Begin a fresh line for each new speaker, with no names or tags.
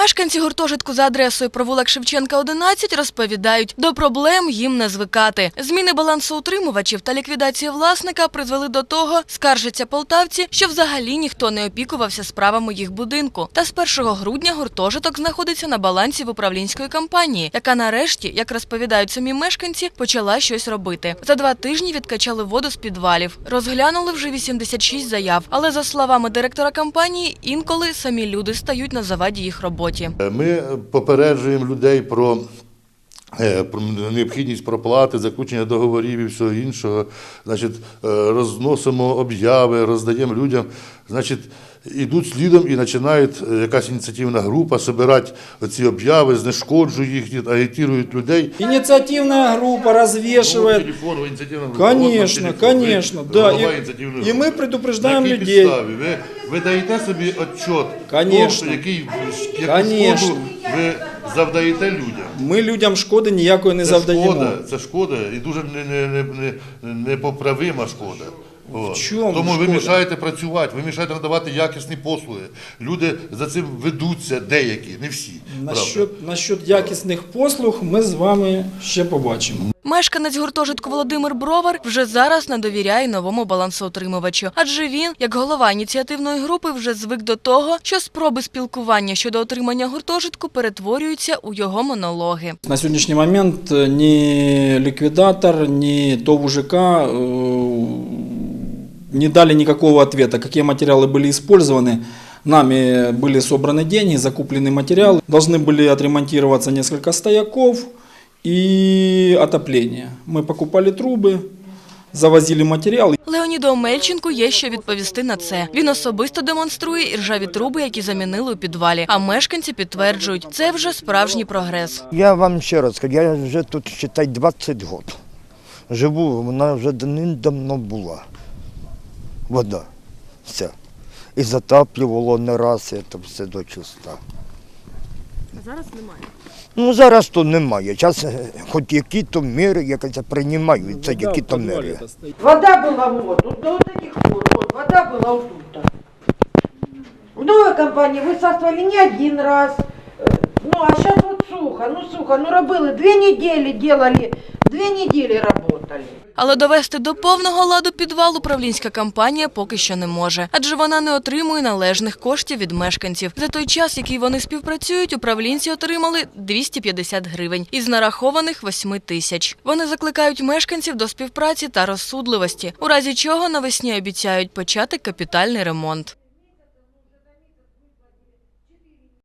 Мешканці гуртожитку за адресою провулок Шевченка, 11 розповідають, до проблем їм не звикати. Зміни балансоутримувачів та ліквідація власника призвели до того, скаржаться полтавці, що взагалі ніхто не опікувався справами їх будинку. Та з 1 грудня гуртожиток знаходиться на балансі в управлінської компанії, яка нарешті, як розповідають самі мешканці, почала щось робити. За 2 тижні відкачали воду з підвалів. Розглянули вже 86 заяв. Але, за словами директора компанії, інколи самі люди стають на заваді їх роботі.
Ми попереджуємо людей про необхідність проплати, заключення договорів і всього іншого. Значить, розносимо об'яви, роздаємо людям. Значить, ідуть слідом і починають якась ініціативна група збирати ці об'яви, знешкоджують їх, агітують людей.
Ініціативна група розвішує. Конечно, да. І ми предупреждаємо людей.
Ви даєте собі відчет,
яку
шкоду ви завдаєте людям.
Ми людям шкоди ніякої не завдаємо.
Це шкода і дуже непоправима шкода. Тому ви мішаєте працювати, ви мішаєте надавати якісні послуги. Люди за цим ведуться, деякі, не всі.
Насчет якісних послуг ми з вами ще побачимо.
Мешканець гуртожитку Володимир Бровар вже зараз не довіряє новому балансоутримувачу. Адже він, як голова ініціативної групи, вже звик до того, що спроби спілкування щодо отримання гуртожитку перетворюються у його монологи.
На сьогоднішній момент ні ліквідатор, ні ТОВ УЖК не дали никакого ответа, какие материалы были использованы. Нами были собраны деньги, закуплены материалы. Должны были отремонтироваться несколько стояков и отопление. Мы покупали трубы, завозили матеріал.
Леоніду Омельченку є що відповісти на це. Він особисто демонструє іржаві труби, які замінили у підвалі. А мешканці підтверджують, це вже справжній прогрес.
Я вам ще раз скажу, я вже тут, считай, 20 років. Живу, вона вже давно була. Вода. Все. І затаплювало не раз, це все до чиста.
А зараз немає?
Ну, зараз то немає. Зараз хоч які-то міри, якось приймаються, які-то міри.
Вода була вот до таких пор, вот, вода була вот тут. В новой компании высасывали не один раз. Ну, а сейчас вот сухо, робили 2 недели, делали, 2 недели работали.
Але довести до повного ладу підвал управлінська компанія поки що не може. Адже вона не отримує належних коштів від мешканців. За той час, який вони співпрацюють, управлінці отримали 250 гривень із нарахованих 8 тисяч. Вони закликають мешканців до співпраці та розсудливості, у разі чого навесні обіцяють почати капітальний ремонт.